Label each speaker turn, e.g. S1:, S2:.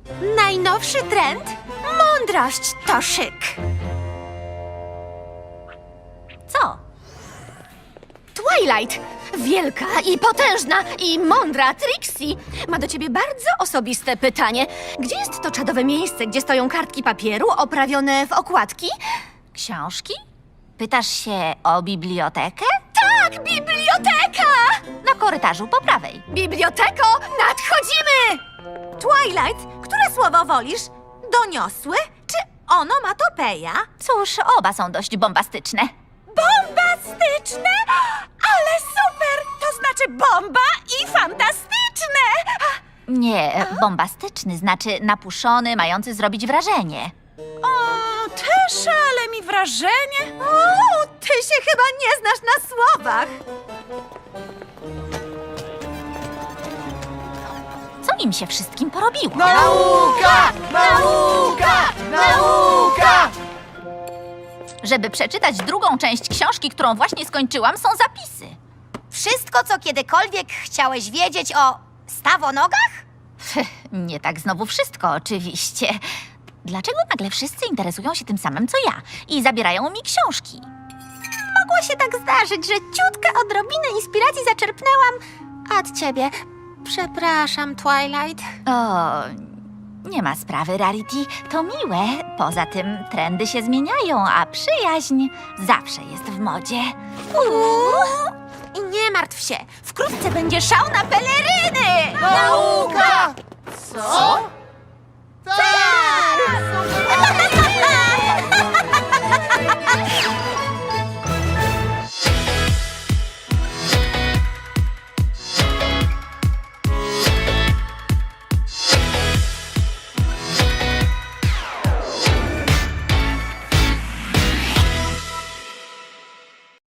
S1: Najnowszy trend? Mądrość to szyk.
S2: Co? Twilight! Wielka i potężna i mądra Trixie ma do ciebie bardzo osobiste pytanie. Gdzie jest to czadowe miejsce, gdzie stoją kartki papieru oprawione w okładki?
S3: Książki? Pytasz się o bibliotekę?
S2: Tak, biblioteka!
S3: Na korytarzu po prawej.
S2: Biblioteko, nadchodzimy!
S1: Twilight, które słowo wolisz? Doniosłe czy onomatopeja?
S3: Cóż, oba są dość bombastyczne.
S1: Bombastyczne? Ale super! To znaczy bomba i fantastyczne!
S3: Nie, bombastyczny znaczy napuszony, mający zrobić wrażenie.
S1: O, też ale mi wrażenie. O, ty się chyba nie znasz na słowach.
S3: Co im się wszystkim porobiło?
S4: Nauka! Nauka! Nauka!
S3: Żeby przeczytać drugą część książki, którą właśnie skończyłam, są zapisy.
S2: Wszystko, co kiedykolwiek chciałeś wiedzieć o stawonogach?
S3: Nie tak znowu wszystko, oczywiście. Dlaczego nagle wszyscy interesują się tym samym, co ja i zabierają mi książki?
S1: Mogło się tak zdarzyć, że ciutka odrobinę inspiracji zaczerpnęłam od ciebie. Przepraszam, Twilight.
S3: O, nie ma sprawy, Rarity. To miłe. Poza tym trendy się zmieniają, a przyjaźń zawsze jest w modzie.
S1: I nie martw się, wkrótce będzie szał na peleryny!
S4: Nauka! Co?